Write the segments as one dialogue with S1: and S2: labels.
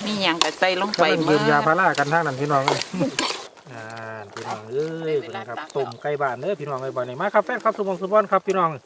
S1: มีหยังก็ใส่ลงไป
S2: ก็ยืมยาพารากันทางนั้นพี่น้องเลยพี่น้องเอ้ยนะครับต้มไก่บ้านเด้อพี่น้องไก่บ้านนี่มาครับแฟนครับสุบงสุบอนครับพี่น้อง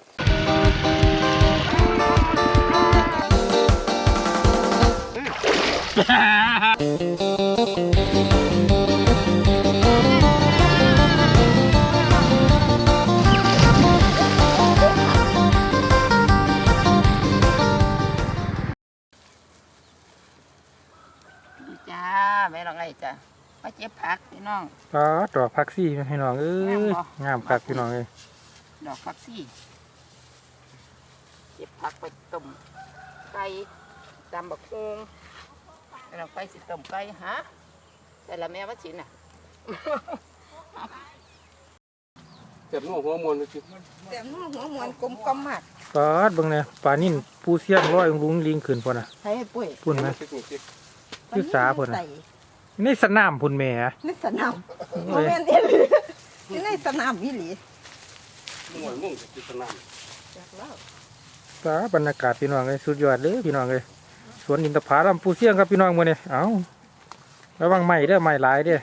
S1: จ้าแม่น้องไอ้จ้ามาเจ็บผักพี่น้อง
S2: ดอกผักซี่พี่น้องเอ้ยงามครับพี่น้องเอ้ย
S1: ดอกผักซี่เจ็บผักไปต้มไก่ตำบักฮูงเราไปสิต้มไก่ฮะแต่ละแม่ว่าชิ้นน่ะ
S3: เจ็บหัวมวนเลยจิ
S1: เจ็บหัวมวนกลมกลมมาก
S2: เบิ่งเนี่ยปลานิ่นปูเสี้ยงร้อยลุงลิงขึ้นพอนะ
S1: ใช่ปุ้ย
S2: พุ่นไหมคือสาพุ่นนะในสนามพุ่นแม่
S1: ในสนามโมเมนต์เองในสนามวิลี
S3: ม่วงจิสนาม
S2: บรรยากาศพี่น้องเลยสุดยอดเลยพี่น้องเลยสวนอินทผลัมปูเสี้ยงครับพี่น้องมื้อนี้เอ้าระวังไม้เด้อไม้หลายเด้อ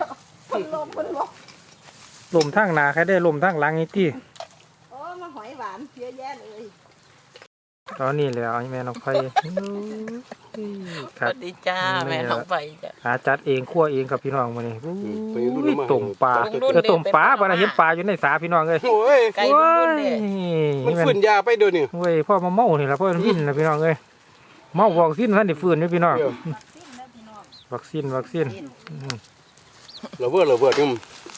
S2: ลมทางหนาใครได้ลมทางหลังนี่ที่
S1: โอ้มาหอยหวานเยอะแยะเลย
S2: ตอนนี้แล้วแม่น้องไผ่
S1: สวัสดีจ้าแม่น้องไผ่จ้า
S2: หาจัดเองคั่วเองกับพี่น้องมื้อนี้ต้มปลาต้มปลาบ่ได้เห็นปลาอยู่ในสาพี่น้องเอ้ย
S3: โอ้ย
S1: ไก่รุ่นๆเนี่ย
S3: มันฝืนยาไปเดี๋ยวนี้
S2: เว้ยพ่อมาเมานี่ล่ะพ่อมันวิ่นนะพี่น้องเอ้ยเมาวัคซีนท่านได้ฟื้นอยู่พี่น้องวัคซีน
S3: ระเบิดนี่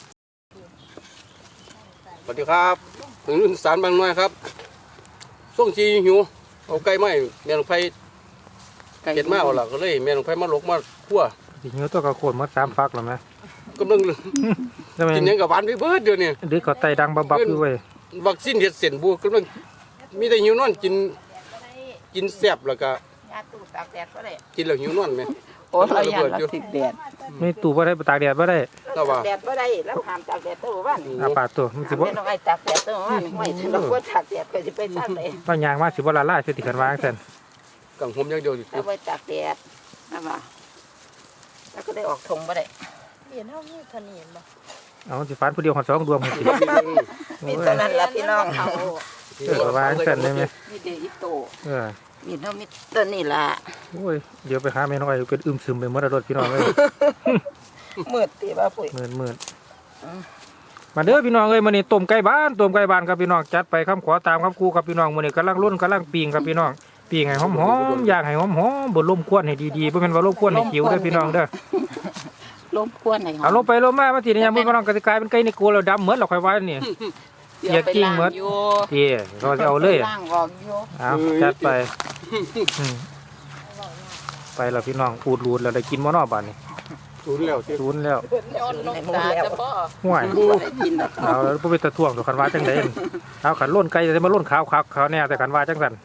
S3: สวัสดีครับถึงรุ่นสารบางน้อยครับส่งจีหิวเอาไก่ไหมแม่ลงไผ่เก็ดมาเอาล่ะก็เลยแม่ลงไผ่มาลกมาคั่ว
S2: สิหิวตัวกระโขนมา3ฟักแล้วมั้ย
S3: กำลังกินยังกับหวานไปเบิดเดี๋ยวนี้
S2: ดึกเขาไตดังบับอยู่เว้ย
S3: วัคซีนเฮ็ดเส้นบัวกำลังมีแต่หิวนอนกินแซ่บแล้วก็
S1: ยาตู้ตากแดดก็ได้
S3: กินแล้วหิวนอนมั้ย
S1: โอ้เราอยากติดแดด
S2: ไม่ตู้บ่ได้ตากแดดบ่ได้
S1: ตากแดดบ่ได้แล้วห้ามตากแดดตัวบ้าน
S2: ปากตัวมันสิบ่
S1: ต้องให้ตากแดดตัวบ้านไม่ถึงเราควรตากแดดก็สิไปซักเลย
S2: ว่ายางมาสิบ่ละลายสิติกันวางซั่น
S3: กังหมอย่างเดียวสิ
S1: เอาไว้ตากแดดนะว่าแล้วก็ได้ออกทงบ่ได้เห็นเฮามีทะเนียนบ่
S2: เอาสิฟันผู้เดียวหอด2ดวงสิ
S1: มีเท่านั้นล่ะพี่น้องเฮาว
S2: างซั่นได้มั้ย
S1: มีเดอิโตมีเฮามี
S2: ต้
S1: นนี่ล่ะ
S2: โอ้ยเดี๋ยวไปหาแม่น้อยเป็นอึมซึมไปหมดรถพี่น้องเอ้ย
S1: มืดติบ่ปุ้ย
S2: มืดมาเด้อพี่น้องเอ้ยมื้อนี้ต้มไก่บ้านครับพี่น้องจัดไปคำขอตามคำครูครับพี่น้องมื้อนี้กำลังล้นกำลังปิ้งครับพี่น้องปิ้งให้หอมๆย่างให้หอมๆบ่ลมควนให้ดีๆบ่แม่นว่าลมควนให้หิวเด้อพี่น้องเด้อ
S1: ลมควนให้
S2: เอาลงไปลงมามาสิเนี่ยมื้อพี่น้องก็สิกลายเป็นไก่ในโกแล้วดำเหมือนเราค่อยว่านี่อย่ากิ้งหมดเราจะเอาเลยเอาจัดไปไปแล้วพี่น้องอูดรูดแล้วได้กินมื้อน้อบ้านนี่
S3: ศูนย์แล้ว
S2: ห่วยเอาแล้วบ่เป็นตะท่วงดอกคันว่าจังได๋เอาขันล้นไก่จะมาล้นขาวแน่แต่คันว่าจังซั่น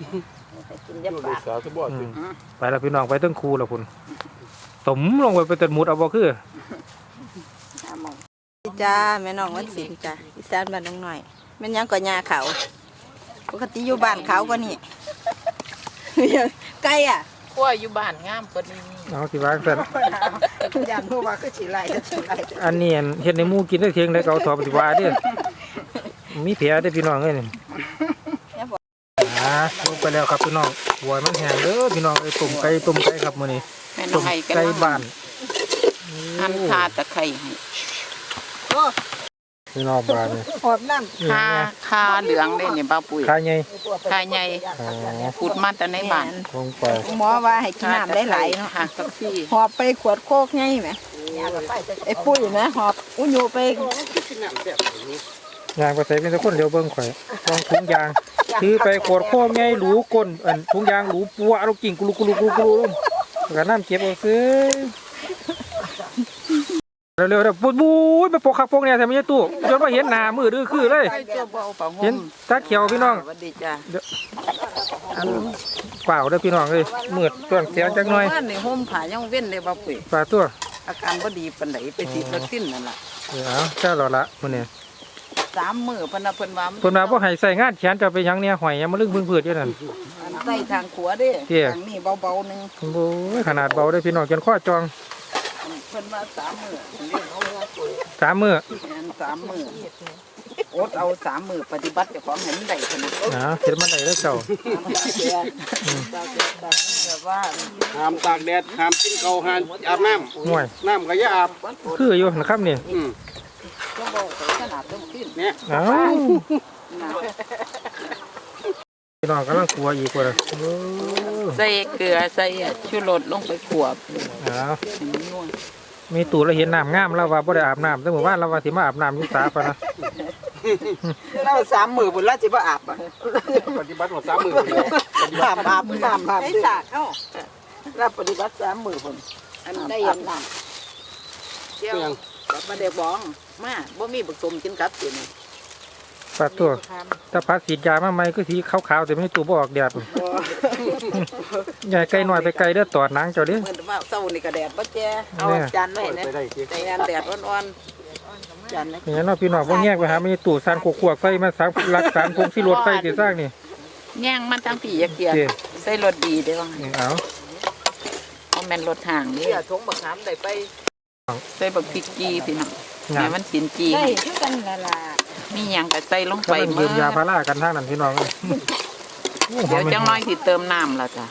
S2: ไปแล้วพี่น้องไปตั้งคูแล้วพุ่นตมลงไปตัดหมุดเอาบ่คือ
S1: จ้าแม่น้องวันศิลป์จ้าอีสานบ้านน้องหน่อยแม่นยังก็หญ้าเขาปกติอยู่บ้านเขาก็นี่ไก่อ่ะขั้วอยู่บ้านงามกว่านี้
S2: เอาสิวางซั่น
S1: ย่านฮู้ว่าคือสิไล่
S2: อันนี้เฮ็ดในหมู่กินได้เที่ยงได้ก็เอาถอดสิว่าเด้อมีแผลได้พี่น้องเอ้ยนี่ลงไปแล้วครับพี่น้องหัวมันแห้งเด้อพี่น้องต้มไก่ครับมื้อนี้ต้มไก่บ้าน
S1: หั่นคาตะไคร้ให้
S2: พี่น้องบ้านนี่
S1: หอมน้ำคาเหลืองได้นี่บ่าวปุ้ย
S2: คาใหญ่
S1: ขุดมาแต่ในบ้าน
S2: ลงไป
S1: หมอว่าให้กินน้ำได้หลายเนาะค่ะกับพี่หอบไปขวดโคกไงแหมไอ้ปุ้ยนะหอบอุ้ยูไป
S2: ยางไปใส่เป็นตะคนเดียวเบิ่งข่อยลองถุงยางถือไปขวดโคกไงหลูก้นถุงยางหลูปัวเอากิ่งกุลุลงแล้วน้ำเก็บเอาซื้อเร็วๆบู๊ไปปกขักปกเนี่ยแต่ไม่ใช่ตู้จนว่าเห็นหน้ามือดื้อคือเลยเห็นตาเขียวพี่น้องเปล่าเด้อพี่น้องเลยมืดตัวเสียจังหน่อย
S1: ในห่มผ้ายังเว้นเลยบ่ปุ๋ย
S2: ปลาตัว
S1: อาการบ่ดีปานใดไปติดวัคซีนนั่นล่ะ
S2: แค่หล่อละมื้อนี้
S1: 3 มื้อเพิ่นว่า
S2: บ่ให้ใส่งานแขนจะไปหยังเนี่ยหอยยังมาลึกพึ่งพืชอยู่นั่น
S1: ใส่ทางขัวเด้
S2: เตี้ย
S1: ทางนี้เบาๆหนึง
S2: โอ้ยขนาดเบาได้อพี่น้องจนข้อจอง
S1: เพิ่นว่า3 มื้อเรียกเขาว่าปุ๋ย
S2: 3 มื้อ
S1: แม่น3 มื้ออดเอา3 มื้อปฏิบัติเจ้าของให้มันได้ขนาด
S2: เฮ็ดมันได้เด้อเจ้า
S1: แบบว่า
S3: ห้ามตากแดดห้ามกินข้าวห้ามอาบน้
S2: ห่วย
S3: ำน้ำก็อย่าอาบ
S2: คืออยู่นะครับนี่
S1: ก็บอกขนาดต้องขึ้น
S3: เนี่ย
S2: เอ้า
S1: นะ
S2: พี่น้องกำลังกลัวอีกว่าเลยโอ้
S1: ใส่เกลือใส่ชูรสลงไปขวบ
S2: เอ้า
S1: ให้มันนัว
S2: มีตู่เราเห็นน้ำงามแล้วว่าบ่ได้อาบน้ำแต่หมู่บ้านเราว่าสิมาอาบน้ำอยู่สาปะนะ
S1: เรา3 มื้อพุ่นละสิบ่อาบอ่ะ
S3: ปฏิบัติหมด3 มื้อเลย
S1: อาบให้สาดเฮาเราปฏิบัติ3 มื้อพุ่นอันได้ยันน้ำเจียวกับปลาเด็กบองมาบ่มีผสมกินกับสินี่
S2: ปลาตัวถ้าพัดฉีดยามาใหม่ก็สีขาวๆแต่ไม่ตู่บ่ออกแดดใหญ่ไกลหน่อยไปไกลเด้อตอดหนังเจ้าดิ
S1: เหมือนว่าเช้านี่ก็แดดบ่แจ้เอาจานไว้นะ
S3: ไปได้ที
S1: ใจอันแดดอ่อนๆจานนะ
S2: อย่างนั้นเนาะพี่น้องบ่แยกไปหามีตู่สร้างขวกๆไฟมาสักรักสารพงที่รถไฟสิสร้างนี่
S1: แย่งมันทั้งปีเกียร์ใส่รถดีเด้อว่า
S2: เอา
S1: เอาแม่นรถห่างนี่ทงบักขามได้ไปใส่บักพริกจีพี่น้องแม่มันสินจี
S4: ได้คือกันละล่ะ
S1: มีหยังก็ใส่ลง
S2: ก็
S1: ไป
S2: มัน
S1: เมื่
S2: ยื
S1: อ
S2: มยาพารากันทางนั้นพี่น้องเอ้ย
S1: เดี๋ยวจังน้อยสิเติมน้ำแล้วจ้ะ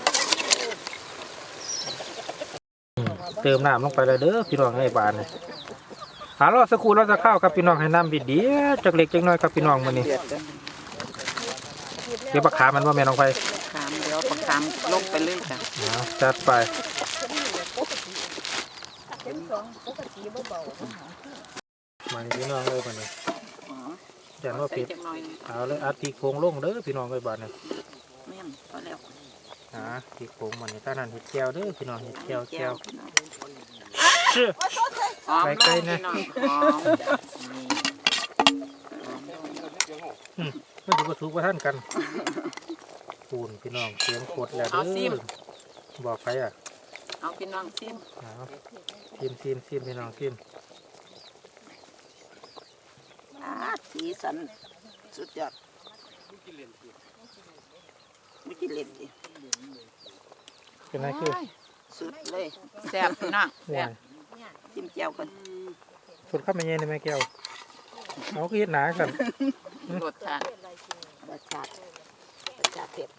S2: เติมน้ำลงไปเลยเด้อพี่น้องให้บานเลยหารอสักครู่เราจะเข้าวครับพี่น้องให้น้ำบิดเดียวจักเล็กจักน้อยครับพี่น้องมื้อนี้
S1: เดือดกัน
S2: เดี๋ยวบักขามันว่าแม่น้องไป
S1: ขามเดี๋ยวบักขามลงไปเลยจ้ะ
S2: เอาจัดไปมานี่พี่น้องเลยบัดนี้อย่าว่า
S1: ใส่
S2: ผิด
S1: จังน้อย
S2: เอาเลยอัดพริกโพงลงเด้อพี่น้องเลยบาดนี้
S1: แม่นพอแล้ว
S2: พริกโพงมันนี่ตานั้นเห็ดแก้วเด้อพี่น้องเห็ดแก้ว
S1: แก้
S2: แก้
S1: ว
S2: วเชื่อ
S1: หอม
S2: ไกล
S1: ลง
S2: ๆนะ
S1: พี่น้องหอมนี่
S2: มันดูกระทุกว่าท่านกันปูนพี่น้องเสียงกดแล้วเด้อบอกใครอ่ะ
S1: เอาพี่น้องซิม
S2: เอาซิมพี่น้องซิม
S1: สีสันสุดยอดไม่กินเล่นดิ
S2: เป็นไงคือ
S1: สุดเลยแซ่บพี่น้อง
S2: ห่ว
S1: แซ่
S2: ย
S1: บจิ้มแจ่วกัน
S2: สุดข้าวมันเย็นในแม่แก้วเอาคือเห็ดหนากัน
S1: รสชาติรสชาติเผ็ด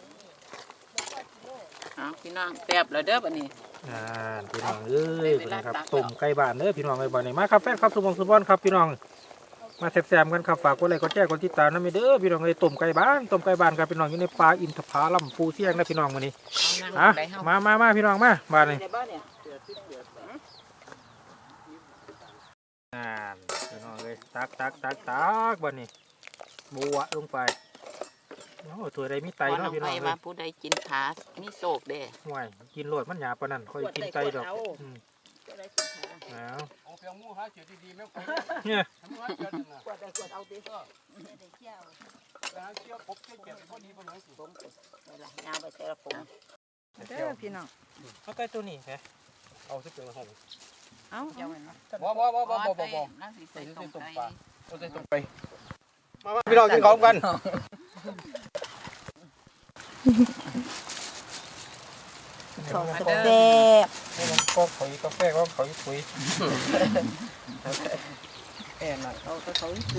S1: เอาพี่น้องแซ่บแล้วเด้อบัดนี้
S2: พี่น้องเอ้ยเป็นไงครับต้มไก่บ้านเด้อพี่น้องไก่บ้านนี่มาครับแฟนครับสุบงสุบอนครับพี่น้องมาแซ่บๆกันครับฝากกดไลค์กดแชร์กดติดตามนะมีเด้อพี่น้องเอ้ยต้มไก่บ้านครับพี่น้องอยู่ในป่าอินทผลัมภูเสียงนะพี่น้องมื้อนี้อ่ะมาพี่น้องมาบ้านนี่
S1: ในบ้านเนี่ย
S2: พี่น้องเอ้ยตักบ้านนี้บัวลงไปโอ้ตัวใดมีไต
S1: ก่อนล
S2: เนาะ
S1: ง
S2: พี่
S1: ไป
S2: น้องเอ้
S1: ว่าย ผู้ใดกินขามีโศกเด้
S2: ห่วยกินโลดมันหยาบปานนั้นค่อยกินไตดอกอืมเอา
S3: เอาเพียงหมูหาเฉียดดีๆแม่ไป
S2: เนี่ย
S3: ทำหมูหาเฉียดน่ะ
S1: กวดได้กวดเอาดิ
S3: หาเฉียดพบเฉียดพอดีพอดีสิ
S1: ผมนี่ล่ะยาวไปแต่ละผม
S4: เด้อพี่น้อง
S2: เอาไก่ตัวนี้แหม
S3: เอาสิเป็นห้อง
S4: เอ้า
S1: เจ้ามัน
S3: บ่
S1: น่าสิใส่ต้มไก่
S3: เอาใส่ตรงไปมาพี่น้องกินข้าวกัน
S4: สอด
S1: มา
S4: แซ่
S1: เด้อบ
S2: ก็ขอยกาแฟก็ขอยปุ๋ย
S1: แอนน่ะเขาสี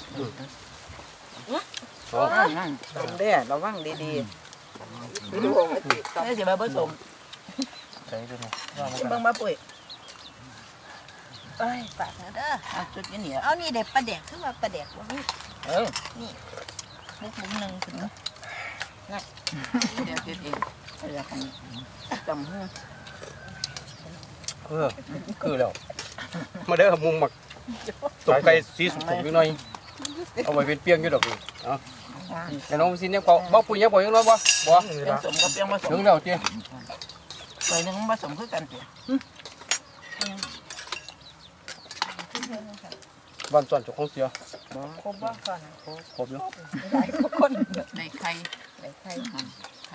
S3: อ๋อ
S1: นั่นต้มเด้อระวังดีๆดูนี่สิมาผสม
S2: ใส่ตัวนี้
S1: เบิ่งมาปุ้ย
S4: เอ้ยฝากนะเด้อ
S1: อ่ะจุดนี้เนี่ย
S4: เอานี่เด็ดปลาแดกคือว่าปลาแดกว่า
S1: เออ
S4: มุกหนึ่งถึง
S1: เดี๋ยวคิดเองเดี๋ยวกันจำหู
S3: คือแล้วมาเด้อมุมหมักตกไก่สีสุกอยู่หน่อยเอาไว้เป็นเปียงอยู่ดอกนี่เอาแต่น้องสิเนี่ยบ่ปุ๋ยยังบ่ยังน้อยบ่
S1: เป็นสมกับเปียงผสม
S3: ถึงแล้วเจ้
S1: ใส่หนึ่งผสมคือกันตัว
S3: บ้านส่วนเจ้าของเสีย
S4: ครบบ้างก่อน
S3: ครบอยู่
S4: หลายคน
S1: ในไข่
S4: หลายใคร
S1: ไข่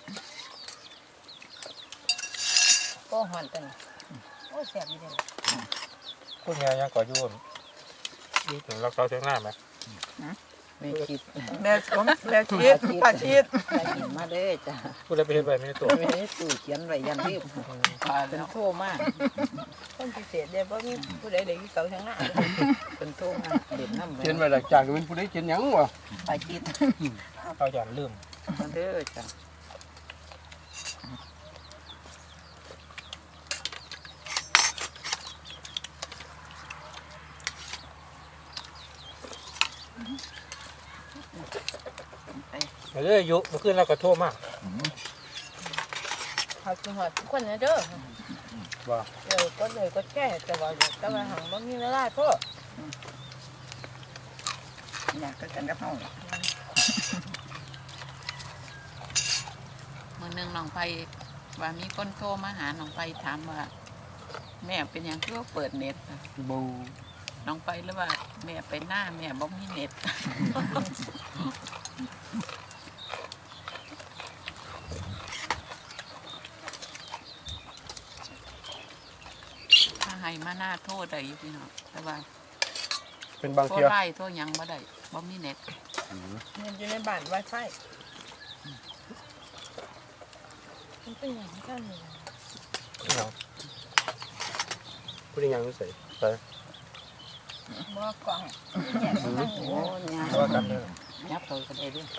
S4: ก็หอนกันโอ้แซ่บดีเด้อ
S2: คุณยายยังก่อยุ่นนี่ถึงรักษาเสียงหน้าไหม
S1: ไม่คิดแม่สมแม่ชีดป้าชีดได้ยินมาเด้อจ้ะ
S2: ผู้ใดไปเฮ็ดไว้ไม่ได้ตัว
S1: ไม่ได้ตู่เขียนไว้ยันรีบเป็นโทรมาก
S4: คนพิเศษเด้บ่มีผู้ใดได้อยู่เสาทางหน้า
S1: เป็นโทรมากเด็ดน้ำ
S3: เขียนไว้หลักจากเป็นผู้ใดเขียนหยังวะ
S1: ป้าชีด
S2: เอาอย่างลืม
S1: มาเด้อจ้ะไป
S2: เด้ออยู่เมื่อคืนเราก็โทรมา
S4: ขอบคุณฮอดทุกคนนะเด้อ
S3: ว่า
S4: ก็แก้แต่ว่าหังบ่มีเวลาโทษ
S1: อยากกันกับเฮา
S5: มื้อหนึงน้องไผว่ามีคนโทรมาหาน้องไผถามว่า แม่เป็นหยังคือว่าเปิดเน็ตอะ
S3: บู
S5: น้องไผหรือว่าแม่ไปหน้าแม่บ่มีเน็ต ถ้าให้มาหน้าโทษได้อยู่พี่น้องแต่ว่า
S3: เป็นบาง
S5: โทร
S3: เที่ย
S5: ไล่โทรหยังบ่ได้บ่มีเน็ต
S4: เงินอยู่ในบ้าน Wi-Fi มันเป็นอย่างนั้นนี่
S3: ผู้ใดหยังใส่ไป
S4: บ่กล่องแยกมาทาง
S1: โอ้
S4: นี้
S1: ยา
S2: ว่ากันเด้อ
S1: ยับเขาก็ได้ด้วย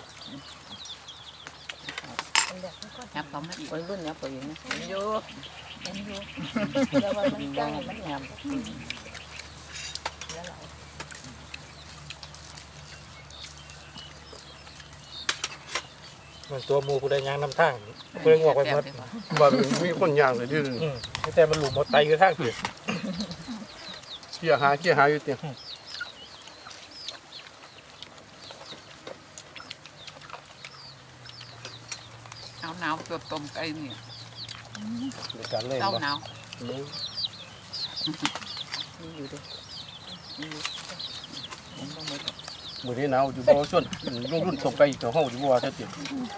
S4: เป็นแบบนี้ก็
S5: ยับเขามาอีก
S1: วัยรุ่นยับเขาอยู่นะ
S4: อยู่เป็นอยู่แต่ว่ามันใกล้มันแหบแล้วหลาย
S2: มันตัวหมูผู้ใดย่างนำทางผู้ใดงอกไปหมด
S3: ว่ามีคนย่างเลยที่
S2: แต่มันหลุมหมดไตอยู่ทางผิด
S3: เกี่ยหาอยู่เตียง
S5: หนาวๆตัวต้มไก่นี่
S3: เดี๋ยวการเล่น
S5: เต้า
S3: บ่
S5: หนาว
S1: นี่อยู่ด้วยนี่อยู่ผมต้องไป
S3: มื้อนี้หนาวอยู่บ่ส่วนลงรุ่นตกไปตัวเฮาอยู่บ่ว่าแท้จริง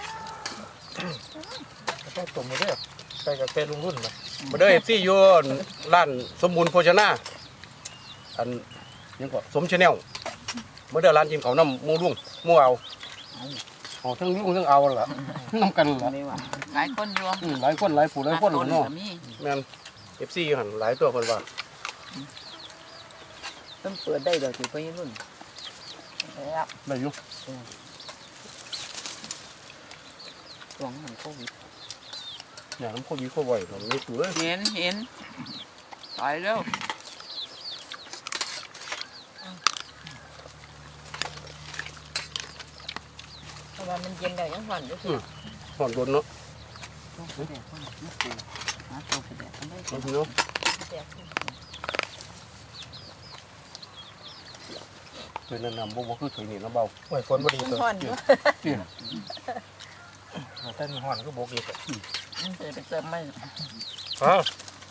S2: ต้องต้มมาเด้อไปกับเป็นลุงรุ่นนะ
S3: มาเด้อ FC อยู่ร้านสมบูรณ์โภชนาอันหยังก็สมชาแนลมาเด้อร้านกินข้าวน้ำหมู่ลุงหมู่เอาทั้งลุงทั้งเอาล่ะนำกันล่ะ
S1: ไม่ว่า
S5: หลายคนรวม
S3: หลายคนหลายผู้หลายคน
S5: ต้น
S3: เนาะ
S5: ก็มี
S3: แม่น FC อยู่หั่นหลายตัวเพิ่นว่า
S1: ต้องเปิดได้ดอกสิวัยรุ่นแล้ว
S3: ได้อยู่
S1: ช่วงมันโควิด
S3: อย่างน้ำโควิดโควิดมันมีตัว
S5: เห็นต่อยเร็ว
S4: เพราะว่ามันเย็นแล้วยังหอนอยู่สิ
S3: ห่อนบนเนาะ
S1: ต้องไปแดกคนไม่ปูหาตัวไปแดกกันได้
S3: เอาเนาะ
S4: แดด
S3: เคยแนะนำบ่คือเคยนี่นะเบา
S2: โอ้ยฝนบ่ดี
S4: มัน
S2: ตัว
S4: หอนอยู่
S3: เตี้ย
S2: แต่มีห่อนก็บกอีก
S1: มันเคยไปเติมไม่
S2: อ๋อ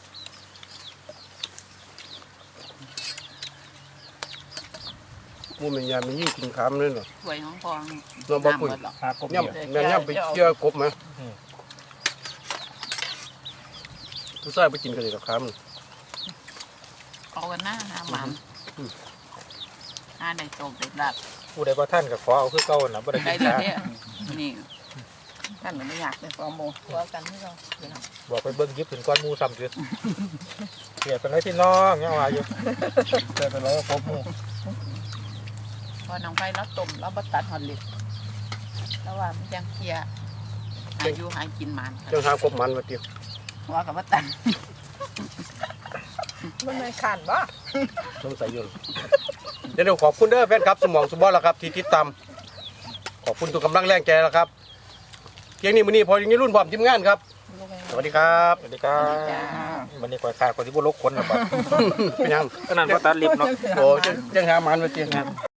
S3: มูมันยามันยิ่งกินขามเลยเนาะ
S5: สวยของพอง
S3: เราบ่ปุ๋ย
S5: น้ำหมดหรอก
S2: หากบ
S3: ย่ำแม่นย่ำไปเกี่ยวกบไหมผู้ชายไปกินกันเลยกับขาม
S5: เอากันหน้าหาหมันหาได้โตกได้ดัด
S2: ผู้ใดบ่ท่านก็ขอเอาคือเก่าน่ะบ่ได้
S5: ได้
S2: กิน
S5: ดี
S2: ชา
S5: เนี่ยนี่
S1: ท่านไม่อยากเป็นฟอร์โม
S4: ตัวกันที่เราพี่น้อง
S2: บอกไปเบิ่งยิบถึงก้อนหมูซ้ำคือเกลียดเป็นไรพี่น้องยังว่าอยู่แต่เป็นไรก็ครบหมู
S5: พอน้องไฟแล้วต้มแล้วบัตัดหอดเหล็กแล้วว่ามันยังเคลียร์อายุหายกินหมัน
S3: จังหากบมันมาเตี้ย
S1: ว่ากับว่าตัน
S4: มันไม่ขันบ่
S3: สงสัยอยู่เดี๋ยวขอบคุณเด้อแฟนครับสมองสมบอลแล้วครับที่ติดตามขอบคุณทุกกำลังแรงใจแล้วครับเพียงนี้มื้อนี้พออย่างนี้รุ่นพร้อมทีมงานครับ สวัสดีครับ
S2: สวัสดีครับวันนี้ก่อยขาดคนที่บ่ลกคนนะบ่
S3: เป็นยัง
S2: ขนาดบ่ตัดลิฟต์เนาะ
S3: โอ้จังหามันมาเตี้ย